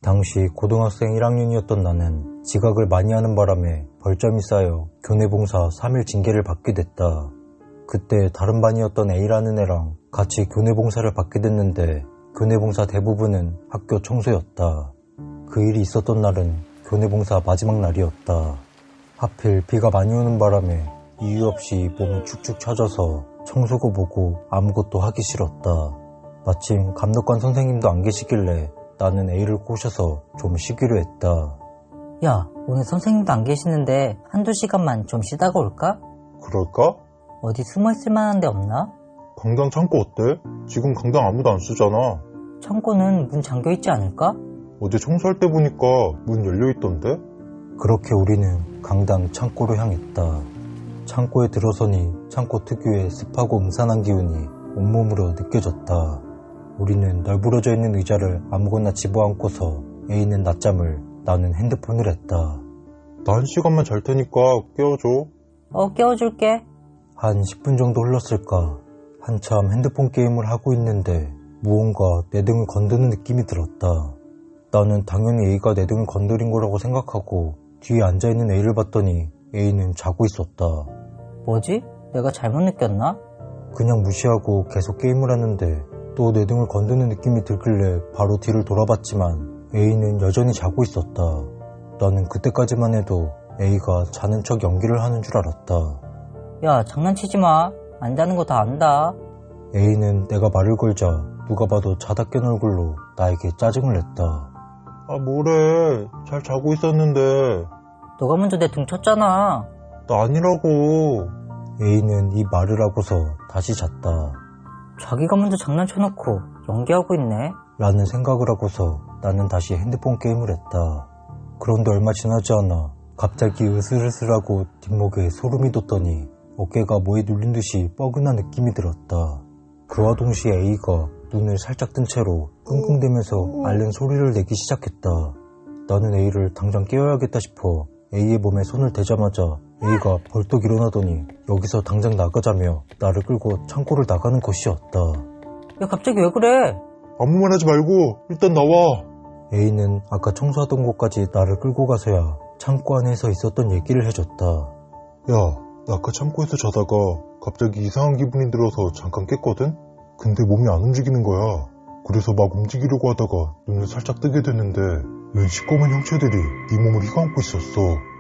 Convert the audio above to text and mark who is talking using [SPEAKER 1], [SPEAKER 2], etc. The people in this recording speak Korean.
[SPEAKER 1] 당시 고등학생 1학년이었던 나는 지각을 많이 하는 바람에 벌점이 쌓여 교내봉사 3일 징계를 받게 됐다. 그때 다른 반이었던 A라는 애랑 같이 교내봉사를 받게 됐는데 교내봉사 대부분은 학교 청소였다. 그 일이 있었던 날은 교내봉사 마지막 날이었다. 하필 비가 많이 오는 바람에 이유 없이 몸이 축축 처져서 청소고 보고 아무것도 하기 싫었다. 마침 감독관 선생님도 안 계시길래 나는 A를 꼬셔서 좀 쉬기로 했다.
[SPEAKER 2] 야, 오늘 선생님도 안 계시는데 한두 시간만 좀 쉬다가 올까?
[SPEAKER 3] 그럴까?
[SPEAKER 2] 어디 숨어있을 만한 데 없나?
[SPEAKER 3] 강당 창고 어때? 지금 강당 아무도 안 쓰잖아.
[SPEAKER 2] 창고는 문 잠겨있지 않을까?
[SPEAKER 3] 어제 청소할 때 보니까 문 열려있던데?
[SPEAKER 1] 그렇게 우리는 강당 창고로 향했다. 창고에 들어서니 창고 특유의 습하고 음산한 기운이 온몸으로 느껴졌다. 우리는 널브러져 있는 의자를 아무거나 집어안고서 A는 낮잠을, 나는 핸드폰을 했다.
[SPEAKER 3] 나 1시간만 잘 테니까 깨워줘.
[SPEAKER 2] 깨워줄게.
[SPEAKER 1] 한 10분 정도 흘렀을까. 한참 핸드폰 게임을 하고 있는데 무언가 내 등을 건드는 느낌이 들었다. 나는 당연히 A가 내 등을 건드린 거라고 생각하고 뒤에 앉아있는 A를 봤더니 A는 자고 있었다.
[SPEAKER 2] 뭐지? 내가 잘못 느꼈나?
[SPEAKER 1] 그냥 무시하고 계속 게임을 하는데 또 내 등을 건드는 느낌이 들길래 바로 뒤를 돌아봤지만 A는 여전히 자고 있었다. 나는 그때까지만 해도 A가 자는 척 연기를 하는 줄 알았다.
[SPEAKER 2] 야, 장난치지 마. 안 자는 거 다 안다.
[SPEAKER 1] A는 내가 말을 걸자 누가 봐도 자다 깬 얼굴로 나에게 짜증을 냈다.
[SPEAKER 3] 아 뭐래. 잘 자고 있었는데.
[SPEAKER 2] 너가 먼저 내 등 쳤잖아.
[SPEAKER 3] 나 아니라고.
[SPEAKER 1] A는 이 말을 하고서 다시 잤다.
[SPEAKER 2] 자기가 먼저 장난쳐놓고 연기하고 있네.
[SPEAKER 1] 라는 생각을 하고서 나는 다시 핸드폰 게임을 했다. 그런데 얼마 지나지 않아 갑자기 으슬으슬하고 뒷목에 소름이 돋더니 어깨가 뭐에 눌린 듯이 뻐근한 느낌이 들었다. 그와 동시에 A가 눈을 살짝 뜬 채로 끙끙대면서 앓는 소리를 내기 시작했다. 나는 A를 당장 깨워야겠다 싶어 A의 몸에 손을 대자마자 A가 벌떡 일어나더니 여기서 당장 나가자며 나를 끌고 창고를 나가는 것이었다.
[SPEAKER 2] 야, 갑자기 왜 그래?
[SPEAKER 3] 아무 말 하지 말고 일단 나와.
[SPEAKER 1] A는 아까 청소하던 곳까지 나를 끌고 가서야 창고 안에서 있었던 얘기를 해줬다.
[SPEAKER 3] 야, 나 아까 창고에서 자다가 갑자기 이상한 기분이 들어서 잠깐 깼거든? 근데 몸이 안 움직이는 거야. 그래서 막 움직이려고 하다가 눈을 살짝 뜨게 됐는데 웬 시꺼먼 형체들이 네 몸을 휘감고 있었어.